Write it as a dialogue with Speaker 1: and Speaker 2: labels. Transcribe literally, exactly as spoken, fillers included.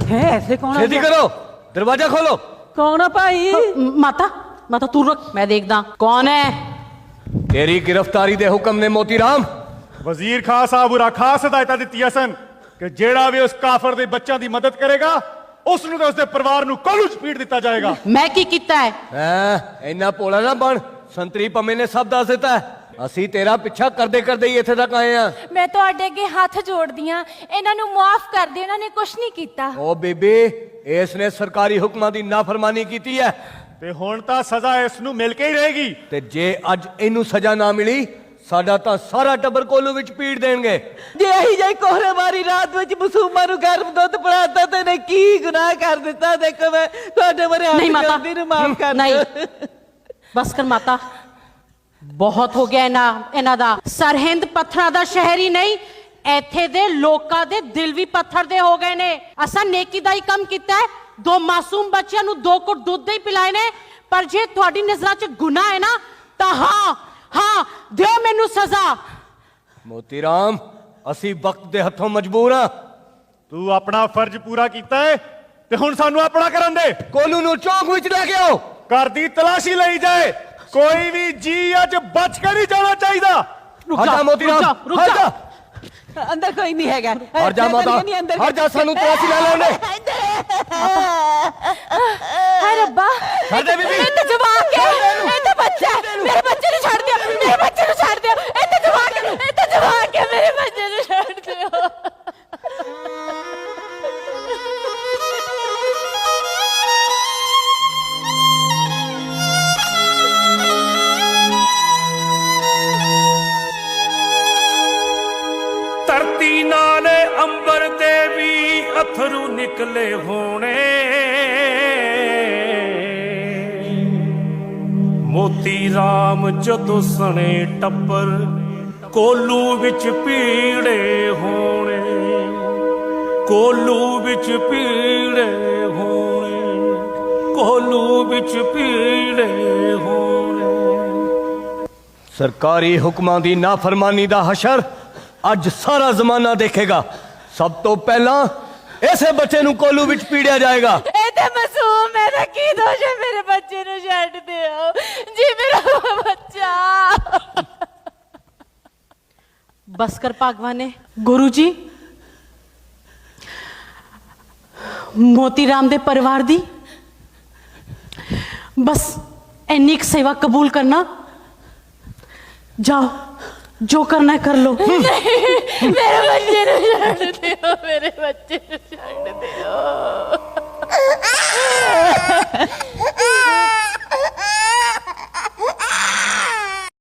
Speaker 1: है ऐसे कौन?
Speaker 2: छेती करो, दरवाजा खोलो।
Speaker 1: कौन है भाई?
Speaker 3: माता माता तू रुक, मैं देखदा कौन है।
Speaker 2: तेरी गिरफ्तारी दे हुक्म ने मोती राम।
Speaker 4: वजीर खान साहब उरा खास हिदायत दी सन कि जेड़ा भी उस काफर दे बच्चों की मदद करेगा उसनू ते उसदे परिवार नू कोलू च पीट दिता जाएगा।
Speaker 3: मैं की कीता है?
Speaker 2: हैं इन्ना भोला ना बन, संतरी पम्मे ने सब दस दिता है। ਅਸੀਂ तेरा पिछा करदे करदे ही इत्थे तक आए हैं।
Speaker 5: मैं तुहाडे अगे हाथ जोड़दी हां, इन्हां नू माफ कर दे, इन्हां ने कुछ नहीं कीता।
Speaker 2: ओ बीबी, इसने सरकारी हुक्मां दी नाफरमानी कीती है
Speaker 4: ते हुण तां सजा इस नू मिल के ही रहेगी।
Speaker 2: ते जे अज इनू सजा ना मिली साडा तां सारा टब्बर कोलू विच पीट देणगे।
Speaker 1: जे अही जाई कोहरे मारी रात विच मासूमां नू गर्म दुध पिलाता ते ने की गुनाह कर दिता। देखो मैं तुहाडे बारे
Speaker 3: नहीं माता,
Speaker 1: माफ कर
Speaker 3: नहीं बस कर माता, बहुत हो गया इना इना दा। सरहिंद पत्थरां दा शहर ही नहीं, इत्थे दे लोकां दे दिल भी पत्थर दे हो गए ने। असां नेकी दा ही काम कीता है, दो मासूम बच्चियां नू दो घुट दुध दे ही पिलाए ने। पर जे तुहाडी नजरां च गुनाह है ना तां हाँ हाँ दिओ मैनू सजा।
Speaker 2: मोती राम, असी वक्त दे हथों मजबूर हां।
Speaker 4: तू अपना फर्ज पूरा कीता है ते हुण सानू अपना करन दे।
Speaker 2: कोलू नू चौक विच ले के आओ।
Speaker 4: घर दी तलाशी लई जाए, कोई भी जी अज बच के नहीं जाना चाहिए।
Speaker 3: रुक
Speaker 2: हट
Speaker 3: जा
Speaker 2: जा मोती
Speaker 3: रुक
Speaker 2: राम,
Speaker 3: जा रुक
Speaker 2: हट
Speaker 3: जा।
Speaker 2: जा।
Speaker 1: अंदर कोई नहीं है।
Speaker 2: हट जा माता, हट जा, सानू तलाशी ले लेने।
Speaker 5: हाय रब्बा,
Speaker 2: छड़ दे बीबी।
Speaker 5: ਇਹ ਤਾਂ ਜਵਾਕ ਹੈ, ਇਹ ਤਾਂ ਬੱਚਾ ਹੈ। ਮੇਰੇ ਬੱਚੇ ਨੂੰ ਛੱਡ ਦਿਓ, ਮੇਰੇ ਬੱਚੇ ਨੂੰ ਛੱਡ ਦਿਓ। ਇਹ ਤਾਂ ਜਵਾਕ ਹੈ, ਇਹ ਤਾਂ ਜਵਾਕ ਹੈ, ਮੇਰੇ ਬੱਚੇ ਨੂੰ ਛੱਡ ਦਿਓ।
Speaker 6: ਧਰਤੀ ਨਾਲੇ ਅੰਬਰ ਦੇ ਵੀ ਅਥਰੂ ਨਿਕਲੇ ਹੋਣੇ। ਮੋਤੀ ਰਾਮ ਜਦੋਂ ਸਣੇ ਟੱਬਰ ਕੋਲੂ ਵਿੱਚ ਪੀੜੇ ਹੋਣੇ। ਕੋਲੂ ਵਿੱਚ ਪੀੜੇ ਹੋਣੇ, ਕੋਲੂ ਵਿੱਚ ਪੀੜੇ ਹੋਣੇ।
Speaker 2: सरकारी हुक्मां दी नाफरमानी दा हशर अज सारा जमाना देखेगा। सब तो पहला ऐसे बच्चे नू कोलू विच पीड़िया जाएगा।
Speaker 5: ਇਹ ਤਾਂ ਮਾਸੂਮ ਹੈ, ਇਹਦਾ ਕੀ ਦੋਸ਼ ਹੈ? ਮੇਰੇ ਬੱਚੇ ਨੂੰ ਛੱਡ ਦਿਓ ਜੀ, ਮੇਰਾ ਬੱਚਾ।
Speaker 3: बस कर भागवाने। गुरु जी, मोती राम दे परिवार दी बस इन्नी क सेवा कबूल करना। जाओ, जो करना है कर लो।
Speaker 5: मेरे बच्चे ਨੂੰ ਛੱਡ ਦਿਓ, ਮੇਰੇ ਬੱਚੇ ਨੂੰ ਛੱਡ ਦਿਓ।